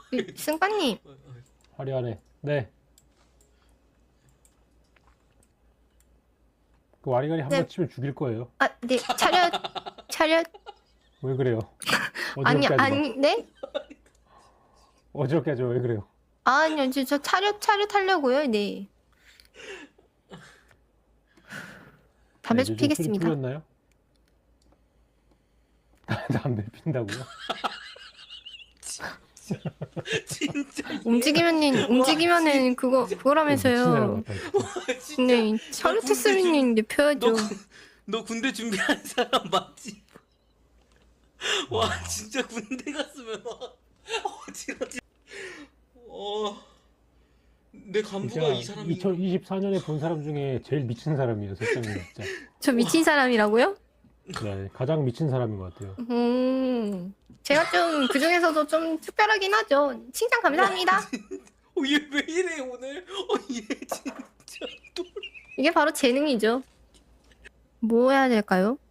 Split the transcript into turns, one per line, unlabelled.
승빠님.
화려하네. 네. 그 와리가리 한
네.
번 치면 죽일 거예요.
아, 네. 차렷. 차렷.
왜 그래요?
아니,
어지럽게 하지 마.
아니, 네?
어지럽게 하지 마. 왜 그래요?
아니요, 저 차렷 하려고요. 네. 담배 좀
요즘 술이
피겠습니다.
풀렸나요? 담배 핀다고요?
진짜
움직이면은 그거라면서요.
진짜
네, 차렷했으면 네 펴야죠.
너 군대 준비한 사람 맞지? 와 진짜 군대 갔으면 어지러지. 내 간부가 이 사람이
2024년에 본 사람 중에 제일 미친 사람이에요, 설정이 진짜.
저 미친 사람이라고요?
네, 가장 미친 사람인 것 같아요.
제가 좀 그중에서도 좀 특별하긴 하죠. 칭찬 감사합니다.
얘 왜 이래 오늘? 얘 진짜 또
이게 바로 재능이죠. 뭐 해야 될까요?